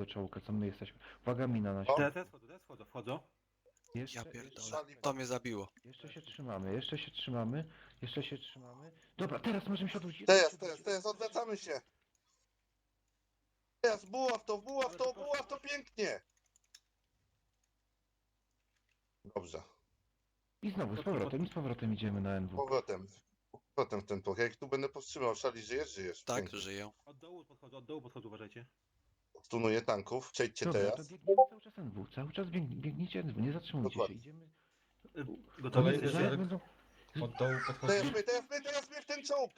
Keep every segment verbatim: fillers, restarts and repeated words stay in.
czołka, co my jesteśmy. Uwaga, mina na O. środku. Teraz, teraz wchodzą, teraz wchodzą, wchodzą. Jeszcze, Ja jeszcze, pierdolę. To mnie zabiło. jeszcze się trzymamy, jeszcze się trzymamy, jeszcze się trzymamy. Dobra, teraz możemy się odwrócić. Teraz, teraz, teraz, odwracamy się. Teraz, buław to, buław to, buław to pięknie. Dobrze. I znowu z powrotem, i z powrotem idziemy na N W. Powrotem. Powrotem w ten pok. Jak tu będę powstrzymał, szali, żyjesz, żyjesz. Tak, Pięknie. żyję. Od dołu podchodzą, od dołu podchodzą, uważajcie. Stunuję tanków, przejdźcie Dobra, to teraz. biegniemy cały czas N W, cały czas bieg, biegnijcie N W, nie zatrzymujcie Dokładnie. się, idziemy. Y, Gotowi? Kolejny Zaraz szereg. będą... Od dołu Teraz podchodzi. my, teraz my, teraz my w ten czołg.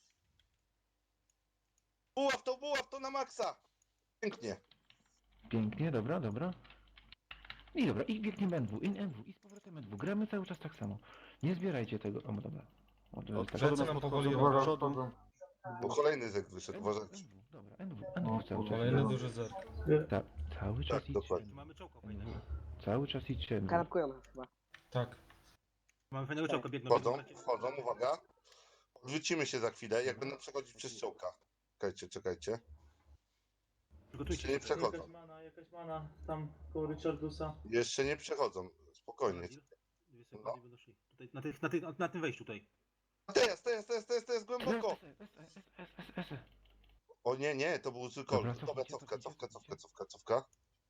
Buław to, buław to na maksa. Pięknie. Pięknie, dobra, dobra. I dobra, i biegniemy N W, in N W, i z powrotem N W. Gramy cały czas tak samo. Nie zbierajcie tego. O, dobra. O, to jest tak. Plecy nam powoli Uwaga, robią. wchodzą. Bo kolejny zek wyszedł, N W, uważajcie. N W, dobra, N W, N W cały czas. Kolejny duży zerk. Ta, cały czas Tak, idźcie. dokładnie. Tu mamy czołka N fajnego. W. Cały czas idźcie N W. Kanapkują nas chyba. Tak. Mamy fajnego czołka, biegną. Wchodzą, biegną. wchodzą, uwaga. Odwrócimy się za chwilę, jak będą przechodzić przez czołka. Czekajcie, czekajcie. Przygotujcie Jeszcze nie się. przechodzą. Jakaś mana, jakaś mana tam koło Richardusa. Jeszcze nie przechodzą. Spokojnie. Dwie sekundy będą szli. Tutaj, na, tych, na, tych, na tym wejściu tutaj. Teraz, teraz, teraz, teraz, teraz, głęboko. S, S, S, S, S, S, S. O nie, nie, to był zły Dobra, kol. Dobra, cofnijcie, cofka, cofnijcie, cofka, cofka, cofka, cofka.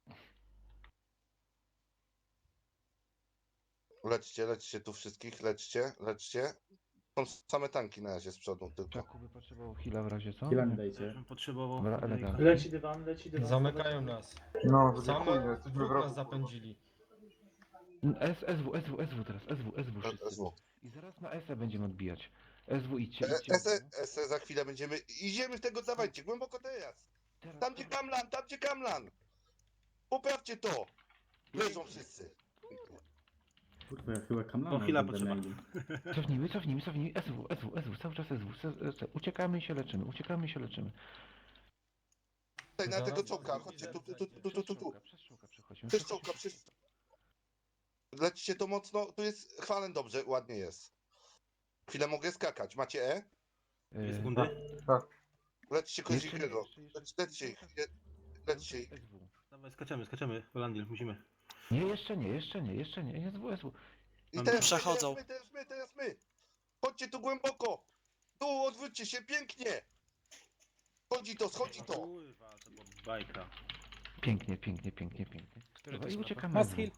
Lećcie, lećcie tu wszystkich, lećcie, lećcie. Są same tanki na razie z przodu tylko. Czaku by potrzebował heala w razie, co? Chwilę mi Nie. dajcie. Ja bym potrzebował. Dobra, elegancko. Leci dywan, leci dywan. Zamykają nas. No, Same dziękuję, jesteśmy w dwóch nas roku. zapędzili. S, SW, SW, SW teraz, SW, SW wszyscy. S W. I zaraz na S będziemy odbijać. SW idźcie, E, idźcie. S E, S E za chwilę będziemy. Idziemy w tego, dawajcie, głęboko teraz. Teraz, Tam gdzie Kamlan, tam gdzie Kamlan. Poprawcie to. Leżą wszyscy. Kurwa, ja chyba kamlana O, chwila będę potrzeba. mieli. Cofnijmy, cofnijmy, cofnijmy. SW, SW, SW, cały czas SW. S- S- Uciekamy i się leczymy, uciekamy i się leczymy. Tutaj na Zaraz tego czołka, będzie chodźcie tu, tu, widzę, tu, tu, tu, tu, tu. Przez czołka przechodzimy. Przez czołka, przez... Lećcie to mocno, tu jest chwalen dobrze, ładnie jest. Chwilę mogę skakać, macie E? Dwie Yy, sekundy. Lećcie jeszcze nie, Kozikiego, jeszcze- jeszcze- Leć- lećcie ich, le- lećcie ich. SW. Dawaj, skaczemy, skaczemy. Holandil, musimy. Nie, jeszcze nie, jeszcze nie, jeszcze nie. SW, SW. I teraz Przechodzą. my, teraz my, teraz my, teraz my. Chodźcie tu głęboko. Tu, odwróćcie się, pięknie. Schodzi to, schodzi to. Kurwa, to była bajka. Pięknie, pięknie, pięknie, pięknie. Który Dobra, to i jest uciekamy. Mas SW. heal.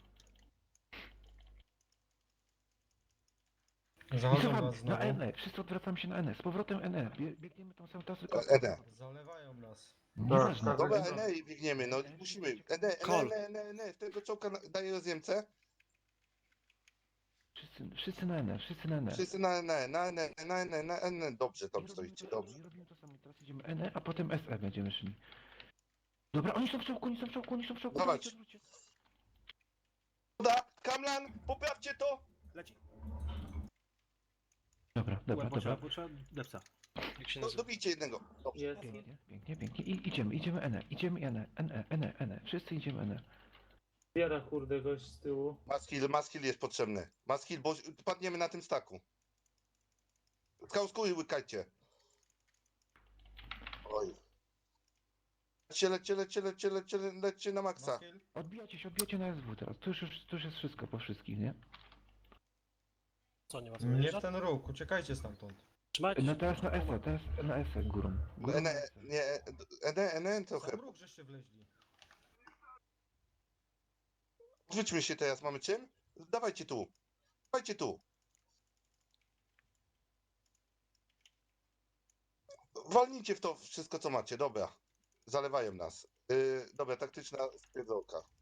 I Zachodzą cofamy nas na znowu. N E, wszyscy odwracamy się na N E. Z powrotem N E. Bie- Biegniemy tą samą trasę. E, Ede. Zalewają nas. Nieważne. tak, Dobra, tak. Ene i biegniemy, no musimy. Ene, Kol. Ene, Ene, Ene, w tego czołka na- daję rozjemcę. Wszyscy, wszyscy na N E, wszyscy na N E. Wszyscy na Ene, na Ene, na Ene, na Ene. Dobrze, I tam robimy stoicie, to samo, dobrze. i robimy to samo. Teraz idziemy N E, a potem S E będziemy szli. Dobra, oni są w czołku, oni są w czołku, oni są w czołku. Dawać. dawajcie, odwróćcie. Uda, Kamlan, poprawcie to. Leci. Dobra, dobra, Potrzeba, dobra. potrzeba depsa. Jak się No, nazywa? dobijcie jednego. Dobrze. Jest. Pięknie, pięknie, pięknie. I idziemy, idziemy N E, idziemy N E, N E, N E, N E. Wszyscy idziemy N E. Biera kurde gość z tyłu. Maskill, maskill jest potrzebny. Maskill, bo padniemy na tym staku. Skałskuj, łykajcie. Oj. Lećcie, lećcie, lećcie, lećcie, lećcie, lećcie na maksa. Maskiel? Odbijacie się, odbijacie na S W teraz. To już, już, to już jest wszystko po wszystkich, nie? Co, nie ma co Nie w wyjeżdżać? ten ruch, uciekajcie stamtąd. Trzymajcie No się. teraz na S E, teraz na S E górą. Górą na Ene, S E. nie, Ene, Ene, trochę. Sam ruch żeście wleźli. Odwróćmy się teraz, mamy czym? Dawajcie tu. Dawajcie tu. Walnijcie w to wszystko, co macie, dobra. Zalewają nas. Yy, dobra, taktyczna stwierdzonka.